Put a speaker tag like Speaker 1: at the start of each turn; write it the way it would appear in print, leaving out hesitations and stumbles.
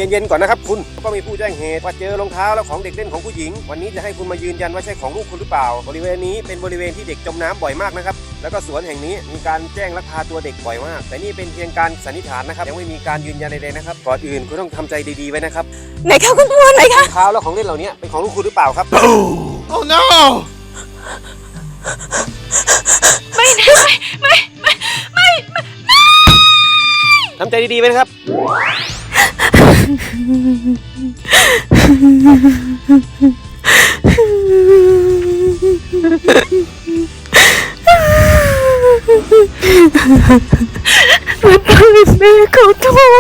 Speaker 1: เย็นๆก่อนนะครับคุณก็มีผู้แจ้งเหตุว่าเจอรองเท้าและของเด็กเล่นของผู้หญิงวันนี้จะให้คุณมายืนยันว่าใช่ของลูกคุณหรือเปล่าบริเวณนี้เป็นบริเวณที่เด็กจมน้ำบ่อยมากนะครับแล้วก็สวนแห่งนี้มีการแจ้งลักพาตัวเด็กบ่อยมากแต่นี่เป็นเพียงการสันนิษฐานนะครับยังไม่มีการยืนยันใดๆนะครับก่อนอื่นคุณต้องทำใจดีๆไว้นะครับ
Speaker 2: ไหนคะคุณตำรวจไหนคะ
Speaker 1: รองเท้าและของเล่นเหล่านี้เป็นของลูกคุณหรือเปล่าครับ
Speaker 3: Oh no!
Speaker 2: ไม่
Speaker 1: ทำใจดีๆไว้นะครับ
Speaker 2: แม่ขอโทษ